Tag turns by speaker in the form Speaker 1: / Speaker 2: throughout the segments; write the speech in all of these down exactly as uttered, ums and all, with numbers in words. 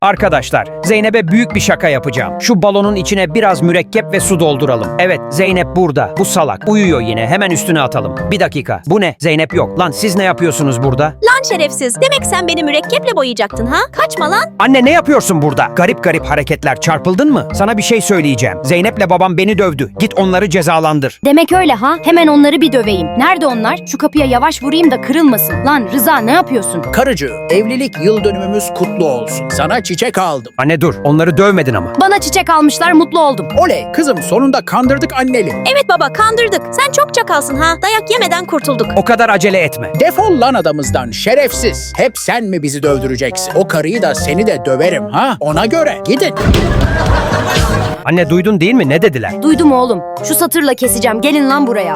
Speaker 1: Arkadaşlar, Zeynep'e büyük bir şaka yapacağım. Şu balonun içine biraz mürekkep ve su dolduralım. Evet, Zeynep burada. Bu salak. Uyuyor yine. Hemen üstüne atalım. Bir dakika. Bu ne? Zeynep yok. Lan siz ne yapıyorsunuz burada?
Speaker 2: Lan şerefsiz. Demek sen beni mürekkeple boyayacaktın ha? Kaçma lan.
Speaker 1: Anne ne yapıyorsun burada? Garip garip hareketler. Çarpıldın mı? Sana bir şey söyleyeceğim. Zeynep'le babam beni dövdü. Git onları cezalandır.
Speaker 3: Demek öyle ha? Hemen onları bir döveyim. Nerede onlar? Şu kapıya yavaş vurayım da kırılmasın. Lan Rıza ne yapıyorsun?
Speaker 4: Karıcı, evlilik yıl dönümümüz kutlu olsun. Sana çiçek aldım.
Speaker 1: Anne dur. Onları dövmedin ama.
Speaker 3: Bana çiçek almışlar, mutlu oldum.
Speaker 4: Oley, kızım sonunda kandırdık anneli.
Speaker 2: Evet baba, kandırdık. Sen çok çakalsın ha. Dayak yemeden kurtulduk.
Speaker 1: O kadar acele etme.
Speaker 4: Defol lan adamızdan şerefsiz. Hep sen mi bizi dövdüreceksin? O karıyı da seni de döverim ha. Ona göre gidin.
Speaker 1: Anne duydun değil mi? Ne dediler?
Speaker 3: Duydum oğlum. Şu satırla keseceğim. Gelin lan buraya.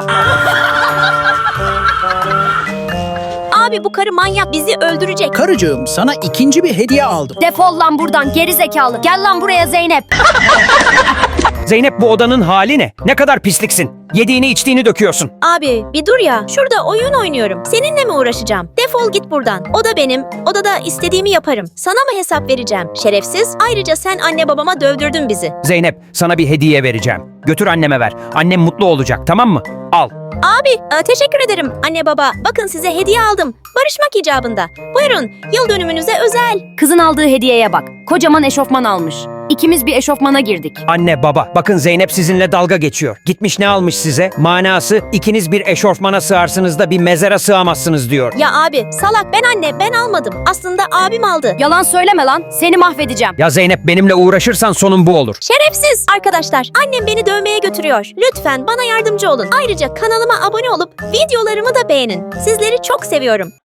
Speaker 2: Abi bu karı manyak, bizi öldürecek.
Speaker 4: Karıcığım, sana ikinci bir hediye aldım.
Speaker 3: Defol lan buradan geri zekalı. Gel lan buraya Zeynep.
Speaker 1: Zeynep bu odanın hali ne? Ne kadar pisliksin. Yediğini içtiğini döküyorsun.
Speaker 2: Abi bir dur ya. Şurada oyun oynuyorum. Seninle mi uğraşacağım? Defol git buradan. O da benim. Odada istediğimi yaparım. Sana mı hesap vereceğim? Şerefsiz. Ayrıca sen anne babama dövdürdün bizi.
Speaker 1: Zeynep sana bir hediye vereceğim. Götür anneme ver. Annem mutlu olacak, tamam mı? Al.
Speaker 2: Abi e, teşekkür ederim anne baba. Bakın size hediye aldım. Barışmak icabında. Buyurun, yıl dönümünüze özel.
Speaker 3: Kızın aldığı hediyeye bak. Kocaman eşofman almış. İkimiz bir eşofmana girdik.
Speaker 1: Anne baba bakın Zeynep sizinle dalga geçiyor. Gitmiş ne almış size? Manası ikiniz bir eşofmana sığarsınız da bir mezara sığamazsınız diyor.
Speaker 2: Ya abi salak, ben anne, ben almadım. Aslında abim aldı.
Speaker 3: Yalan söyleme lan. Seni mahvedeceğim.
Speaker 1: Ya Zeynep benimle uğraşırsan sonun bu olur.
Speaker 2: Şerefsiz. Arkadaşlar, annem beni dövmeye götürüyor. Lütfen bana yardımcı olun. Ayrıca kanalıma abone olup videolarımı da beğenin. Sizleri çok seviyorum.